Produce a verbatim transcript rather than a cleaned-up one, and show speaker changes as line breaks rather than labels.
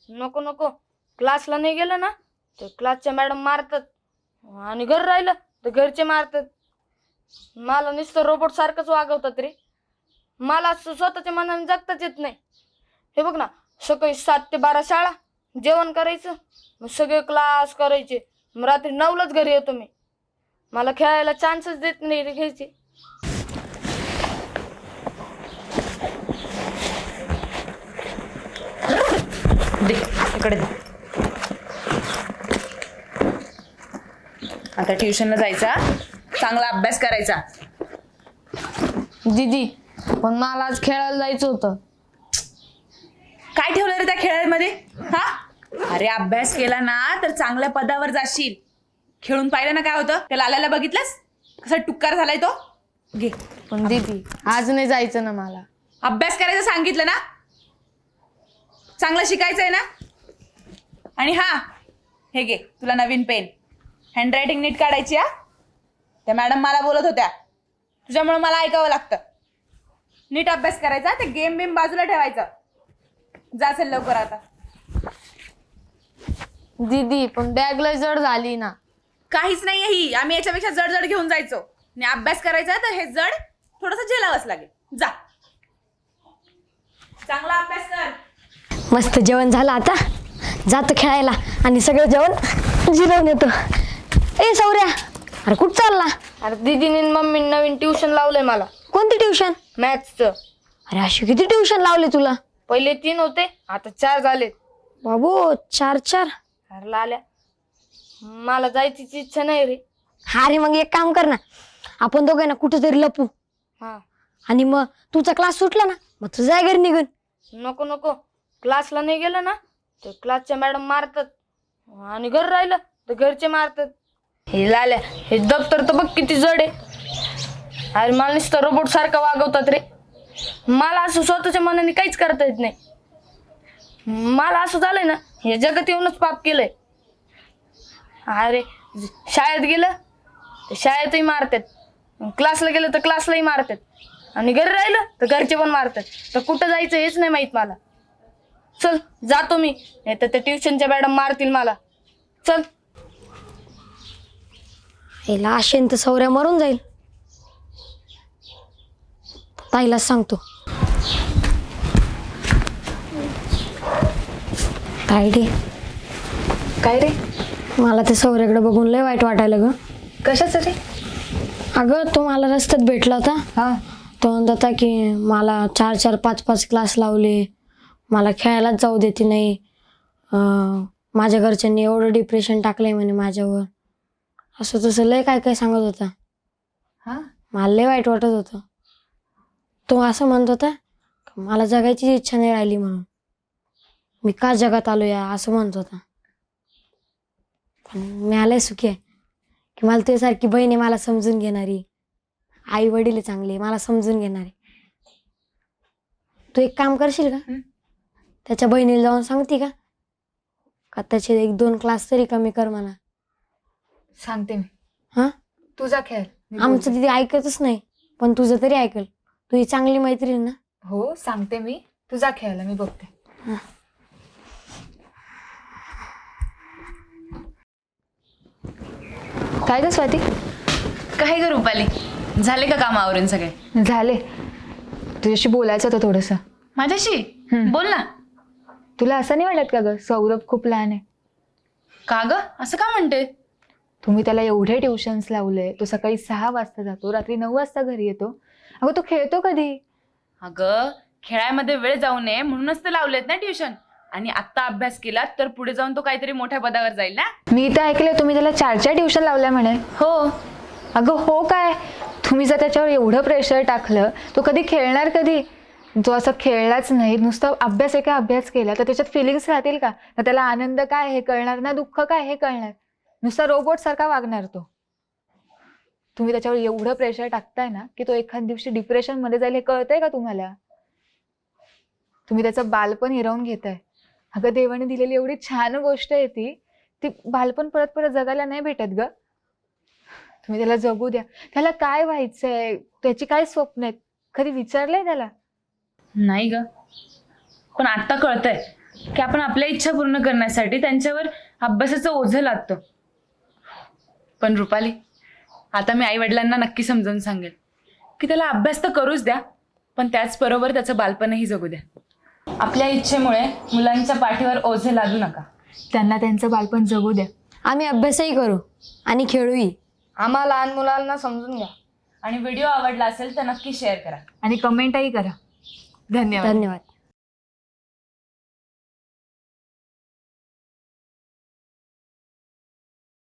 नको नको, क्लासला नाही गेलं ना तर क्लासच्या मॅडम मारतात आणि घर राहिलं तर घरचे मारतात. मला नुसतं रोबोट सारखंच वागवतात रे. मला असं स्वतःच्या मनाने जगताच येत नाही. हे बघ ना, सकाळी सात ते बारा शाळा, जेवण करायचं, मग सगळे क्लास करायचे, मग रात्री नऊलाच घरी येतो मी. मला खेळायला चान्सच देत नाही रे घ्यायचे.
दे इकडे दे. आता ट्युशनला जायचा, चांगला अभ्यास करायचा.
दीदी पण मला आज खेळायला जायचं होतं.
काय ठेवलं रे त्या खेळामध्ये? हा, अरे अभ्यास केला ना तर चांगल्या पदावर जाशील. खेळून पाहिलं ना काय होतं? त्या लाल्याला बघितलंस कसा टुक्कार झालाय तो? घे.
पण दीदी आज नाही जायचं ना मला.
अभ्यास करायचं सांगितलं ना, चांगलं शिकायचंय ना. आणि हा, हे घे तुला नवीन पेन. हँडरायटिंग नीट काढायची. हा, त्या मॅडम मला बोलत होत्या, तुझ्यामुळे मला ऐकावं लागतं. नीट अभ्यास करायचा, ते गेम बिम बाजूला ठेवायचं. जा असेल लवकर आता.
दीदी पण बॅग लय जड झाली ना.
काहीच नाही ही, आम्ही याच्यापेक्षा जड जड घेऊन जायचो. आणि अभ्यास करायचा तर हे जड थोडंसं झेलावंच लागेल. जा, चांगला अभ्यास कर.
मस्त जेवण झालं, आता जातो खेळायला आणि सगळं जेवण जिरवून येतो. ए सौर्या, अरे कुठं चालला?
अरे दीदीने मम्मी नवीन ट्युशन लावलंय मला.
कोणती ट्युशन?
मॅथ्सचं.
अरे अशी किती ट्युशन लावले तुला?
पहिले तीन होते, आता चार झाले.
बाबू, चार चार?
अरे लाल्या, मला जायचीच इच्छा नाही रे.
हा रे, मग एक काम कर ना, आपण दोघे ना कुठेतरी लपू.
हा,
आणि मग तुझा क्लास सुटला ना, मग तुझं जाय घरी निघून.
नको नको, क्लासला नाही गेलं ना तर क्लासच्या मॅडम मारतात आणि घर राहिलं तर घरचे मारतात. हे लाल्या, हे दप्तर तर बघ किती जड आहे. अरे मला नुसतं रोबोट सारखं वागवतात रे. मला असं स्वतःच्या मनाने काहीच करता येत नाही. मला असं झालंय ना, हे जगात येऊनच पाप केलंय. अरे शाळेत गेलं तर शाळेतही मारतात, क्लासला गेलं तर क्लासलाही मारतात, आणि घरी राहिलं तर घरचे पण मारतात. तर कुठं जायचं हेच नाही माहित मला. चल जातो मी, नाही तर त्या ट्युशनच्या मॅडम मारतील मला. चल.
हिला आशेन तर सौर्या मरून जाईल. ताईलाच सांगतो. ताई रे.
काय रे?
मला ते सौर्याकडे बघून लय वाईट वाटायला ग.
कशाचं रे?
अगं तो मला रस्त्यात भेटला होता.
हा,
तो म्हणत होता की मला चार चार पाच पाच क्लास लावले, मला खेळायलाच जाऊ देते नाही, अं, माझ्या घरच्यांनी एवढं डिप्रेशन टाकलंय म्हणे माझ्यावर. असं तसं लय काय काय सांगत होता.
हा,
मला लय वाईट वाटत होतं. तो असं म्हणत होता मला जगायची इच्छा नाही राहिली म्हणून, मी का जगात आलो या, असं म्हणत होता. पण मी आलंय सुखी आहे की मला तुझ्यासारखी बहीण आहे, मला समजून घेणारी. आई वडील आहे चांगले, मला समजून घेणारे. तू एक काम करशील का? त्याच्या बहिणीला जाऊन सांगते का का त्याचे एक दोन क्लास तरी कमी कर म्हणा.
सांगते मी.
हा,
तुझा खेळ. मी
आमचं
बोलते.
तिथे ऐकतच नाही, पण तुझं तरी ऐकल. तू ही चांगली मैत्रीण ना.
हो सांगते मी, तुझा खेळायला मी बघते. काय ग स्वाती?
काय ग रुपाली, झाले का काम आवरून सगळे?
झाले. तुझ्याशी बोलायचं होतं थोडंसं.
माझ्याशी
हम्म.
बोल ना.
तुला असं नाही वाटत का ग, सौरभ खूप लहान आहे?
का ग, असं का म्हणते?
तुम्ही त्याला एवढे ट्युशन्स लावले, तो सकाळी सहा वाजता जातो, रात्री नऊ वाजता घरी येतो. अगं तो खेळतो कधी?
अगं खेळामध्ये वेळ जाऊ नये म्हणूनच तर लावलेत ना ट्युशन. आणि आता अभ्यास केला तर पुढे जाऊन तो काहीतरी मोठ्या पदावर जाईल ना.
मी तर ऐकलं तुम्ही त्याला चार चार ट्युशन लावल्या म्हणे.
हो.
अगं हो काय, तुम्ही जर त्याच्यावर एवढं प्रेशर टाकलं, तो कधी खेळणार कधी? जो असं खेळलाच नाही, नुसतं अभ्यास एका अभ्यास केला तर त्याच्यात फिलिंग्स राहतील का? तर त्याला आनंद काय हे कळणार ना, दुःख काय हे कळणार. नुसता रोबोट सारखा वागणार तो. तुम्ही त्याच्यावर एवढं प्रेशर टाकताय ना की तो एखाद दिवशी डिप्रेशन मध्ये जाईल, हे कळतंय का तुम्हाला? तुम्ही त्याचं बालपण हिरावून घेताय. अगं देवाने दिलेली एवढी छान गोष्ट आहे ती ती बालपण परत परत जगायला नाही भेटत ग. तुम्ही त्याला जगू द्या. त्याला काय व्हायचंय, त्याची काय स्वप्न आहेत, कधी विचारलंय त्याला?
नाही ग, पण आता कळतंय की आपण आपल्या इच्छा पूर्ण करण्यासाठी त्यांच्यावर अभ्यासाचं ओझं लादतो. पण रुपाली, आता मी आई वडिलांना नक्की समजावून सांगेल की त्याला अभ्यास तर करूच द्या, पण त्याचबरोबर त्याचं बालपणही जगू द्या. आपल्या इच्छेमुळे मुलांच्या पाठीवर ओझे लादू नका.
त्यांना त्यांचं बालपण जगू द्या.
आम्ही अभ्यासही करू आणि खेळूही.
आम्हा लहान मुलांना समजून घ्या.
आणि व्हिडिओ आवडला असेल तर नक्की शेअर करा.
आणि कमेंटही करा. धन्यवाद.
धन्यवाद.